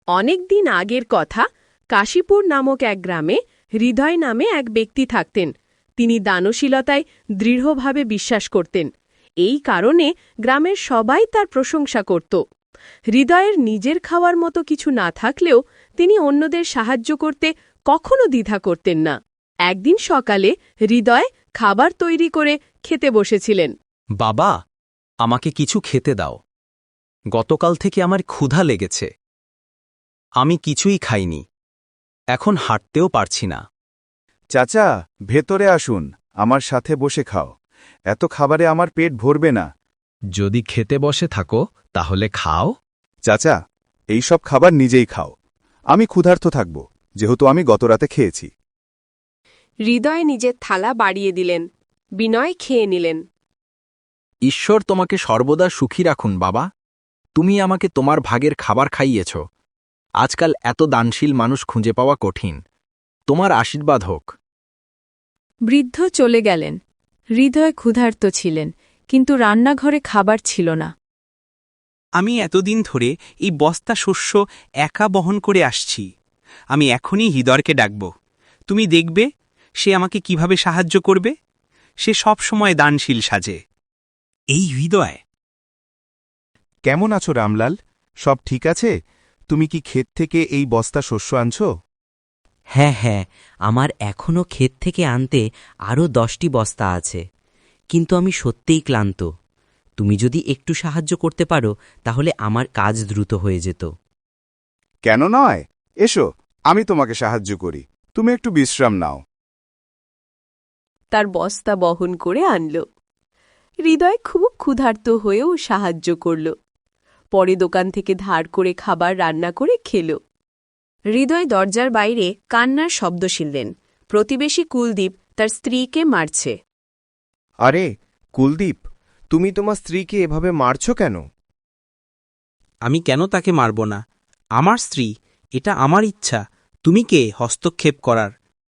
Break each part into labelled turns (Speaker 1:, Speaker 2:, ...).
Speaker 1: অনেক দিন আগের কথা, কাশীপুর নামক এক গ্রামে হৃদয় নামে এক ব্যক্তি থাকতেন। তিনি দানশীলতায় দৃঢ়ভাবে বিশ্বাস করতেন। এই কারণে গ্রামের সবাই তার প্রশংসা করত। হৃদয়ের নিজের খাওয়ার মতো কিছু না থাকলেও তিনি অন্যদের সাহায্য করতে কখনো দ্বিধা করতেন না। একদিন সকালে হৃদয় খাবার তৈরি করে খেতে বসেছিলেন।
Speaker 2: বাবা, আমাকে কিছু খেতে দাও। গতকাল থেকে আমার ক্ষুধা লেগেছে। আমি কিছুই খাইনি, এখন হাঁটতেও পারছি না।
Speaker 3: চাচা, ভেতরে আসুন, আমার সাথে বসে খাও। এত খাবারে আমার পেট ভরবে না।
Speaker 2: যদি খেতে বসে থাকো তাহলে খাও।
Speaker 3: চাচা, এই সব খাবার নিজেই খাও। আমি ক্ষুধার্ত থাকব, যেহেতু আমি গতরাতে খেয়েছি।
Speaker 1: হৃদয় নিজের থালা বাড়িয়ে দিলেন। বিনয় খেয়ে নিলেন।
Speaker 2: ঈশ্বর তোমাকে সর্বদা সুখী রাখুন বাবা। তুমি আমাকে তোমার ভাগের খাবার খাইয়েছ। আজকাল এত দানশীল মানুষ খুঁজে পাওয়া কঠিন। তোমার আশীর্বাদ হোক।
Speaker 1: বৃদ্ধ চলে গেলেন। হৃদয় ক্ষুধার্ত ছিলেন, কিন্তু রান্নাঘরে খাবার ছিল না।
Speaker 4: আমি এতদিন ধরে এই বস্তা শস্য একা বহন করে আসছি। আমি এখনই হৃদয়কে ডাকব। তুমি দেখবে সে আমাকে কিভাবে সাহায্য করবে। সে সব সময় দানশীল সাজে। এই হৃদয়।
Speaker 3: কেমন আছো রামলাল? সব ঠিক আছে? তুমি কি ক্ষেত থেকে এই বস্তা শস্য আনছো?
Speaker 5: হ্যাঁ, আমার এখনও ক্ষেত থেকে আনতে আরও 10টি বস্তা আছে, কিন্তু আমি সত্যিই ক্লান্ত। তুমি যদি একটু সাহায্য করতে পারো তাহলে আমার কাজ দ্রুত হয়ে যেত।
Speaker 3: কেন নয়, এসো, আমি তোমাকে সাহায্য করি। তুমি একটু বিশ্রাম নাও।
Speaker 1: তার বস্তা বহন করে আনল। হৃদয় খুব ক্ষুধার্ত হয়েও সাহায্য করল। পরে দোকান থেকে ধার করে খাবার রান্না করে খেল। হৃদয় দরজার বাইরে কান্নার শব্দ শুনলেন। প্রতিবেশী কুলদীপ তার স্ত্রীকে মারছে।
Speaker 6: আরে কুলদীপ, তুমি তোমার স্ত্রীকে এভাবে মারছ কেন?
Speaker 4: আমি কেন তাকে মারব না? আমার স্ত্রী, এটা আমার ইচ্ছা। তুমি কে হস্তক্ষেপ করার?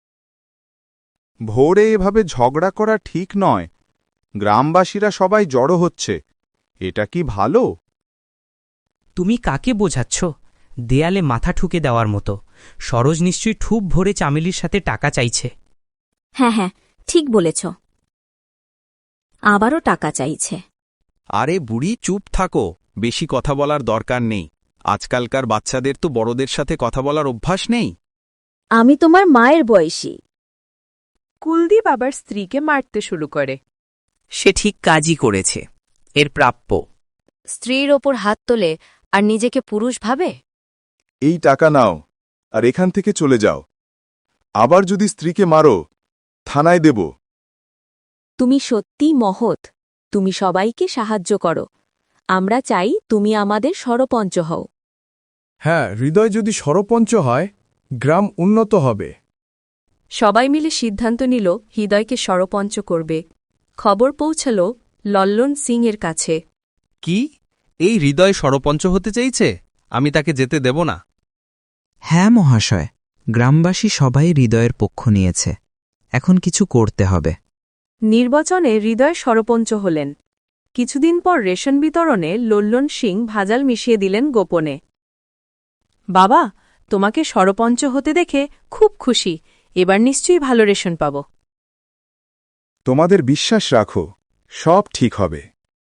Speaker 3: ভোরে এভাবে ঝগড়া করা ঠিক নয়। গ্রামবাসীরা সবাই জড়ো হচ্ছে। এটা কি ভালো?
Speaker 7: তুমি কাকে বোঝাচ্ছ? দেয়ালে মাথা ঠুকে দেওয়ার মতো। সরোজ নিশ্চয়ই ঠুপ ভরে চামেলির সাথে টাকা চাইছে।
Speaker 8: হ্যাঁ, ঠিক বলেছ। আবারও টাকা চাইছে।
Speaker 2: আরে বুড়ি, চুপ থাকো। বেশি কথা বলার দরকার নেই। আজকালকার বাচ্চাদের তো বড়দের সাথে কথা বলার অভ্যাস নেই।
Speaker 8: আমি তোমার মায়ের বয়সী।
Speaker 1: কুলদীপ আবার স্ত্রীকে মারতে শুরু করে।
Speaker 7: সে ঠিক কাজই করেছে, এর প্রাপ্য।
Speaker 8: স্ত্রীর ওপর হাত তোলে আর নিজেকে পুরুষ ভাবে।
Speaker 3: এই টাকা নাও আর এখান থেকে চলে যাও। আবার যদি স্ত্রীকে মারো, থানায় দেব।
Speaker 8: তুমি সত্যি মহৎ। তুমি সবাইকে সাহায্য করো। আমরা চাই তুমি আমাদের সরপঞ্চ হও।
Speaker 9: হ্যাঁ, হৃদয় যদি সরপঞ্চ হয়, গ্রাম উন্নত হবে।
Speaker 1: সবাই মিলে সিদ্ধান্ত নিল হৃদয়কে সরপঞ্চ করবে। খবর পৌঁছল লল্লন সিং এর কাছে।
Speaker 2: কি, এই হৃদয় সরপঞ্চ হতে চাইছে? আমি তাকে যেতে দেব না।
Speaker 10: হ্যাঁ মহাশয়, গ্রামবাসী সবাই হৃদয়ের পক্ষ নিয়েছে। এখন কিছু করতে হবে।
Speaker 1: নির্বাচনে হৃদয় সরপঞ্চ হলেন। কিছুদিন পর রেশন বিতরণে লল্লন সিং ভাজাল মিশিয়ে দিলেন গোপনে। বাবা, তোমাকে সরপঞ্চ হতে দেখে খুব খুশি। এবার নিশ্চয়ই ভালো রেশন পাব।
Speaker 3: তোমাদের বিশ্বাস রাখো, সব ঠিক হবে।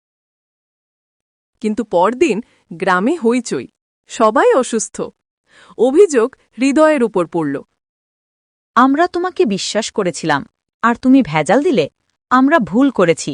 Speaker 1: কিন্তু পরদিন গ্রামে হইচই। সবাই অসুস্থ। অভিযোগ হৃদয়ের উপর পড়ল।
Speaker 8: আমরা তোমাকে বিশ্বাস করেছিলাম, আর তুমি ভেজাল দিলে। আমরা ভুল করেছি।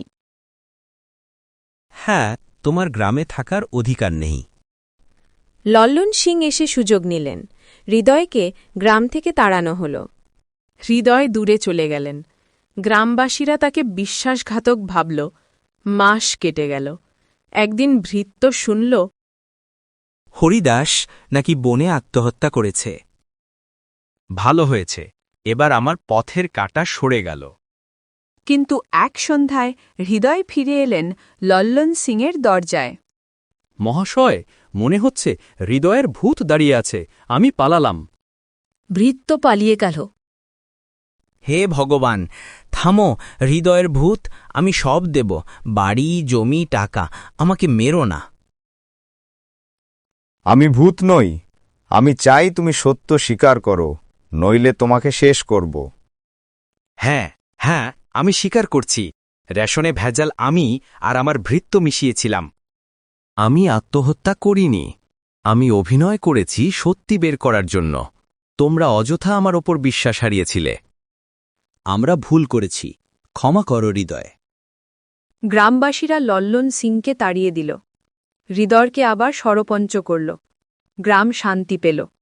Speaker 4: হ্যাঁ, তোমার গ্রামে থাকার অধিকার নেই।
Speaker 1: লল্লন সিং এসে সুযোগ নিলেন। হৃদয়কে গ্রাম থেকে তাড়ানো হল। হৃদয় দূরে চলে গেলেন। গ্রামবাসীরা তাকে বিশ্বাসঘাতক ভাবল। মাস কেটে গেল। একদিন ভৃত্য শুনল
Speaker 4: হরিদাস নাকি বনে আত্মহত্যা করেছে। ভালো হয়েছে, এবার আমার পথের কাঁটা সরে গেল।
Speaker 1: কিন্তু এক সন্ধ্যায় হৃদয় ফিরে এলেন লল্লন সিংয়ের দরজায়।
Speaker 2: মহাশয়, মনে হচ্ছে হৃদয়ের ভূত দাঁড়িয়ে আছে। আমি পালালাম।
Speaker 8: ভৃত্য পালিয়ে গেল।
Speaker 7: হে ভগবান, থামো। হৃদয়ের ভূত, আমি সব দেব। বাড়ি, জমি, টাকা। আমাকে মেরো না।
Speaker 3: আমি ভূত নই,
Speaker 6: আমি চাই তুমি সত্য স্বীকার করো, নইলে তোমাকে শেষ করব।
Speaker 2: হ্যাঁ হ্যাঁ, আমি স্বীকার করছি, রেশনে ভেজাল আমি আর আমার ভৃত্য মিশিয়েছিলাম। আমি আত্মহত্যা করিনি, আমি অভিনয় করেছি সত্যি বের করার জন্য। তোমরা অযথা আমার ওপর বিশ্বাস হারিয়েছিলে। আমরা ভুল করেছি, ক্ষমা করো হৃদয়।
Speaker 1: গ্রামবাসীরা লল্লন সিংকে তাড়িয়ে দিল। হৃদয়কে আবার সরপঞ্চ করল। গ্রাম শান্তি পেল।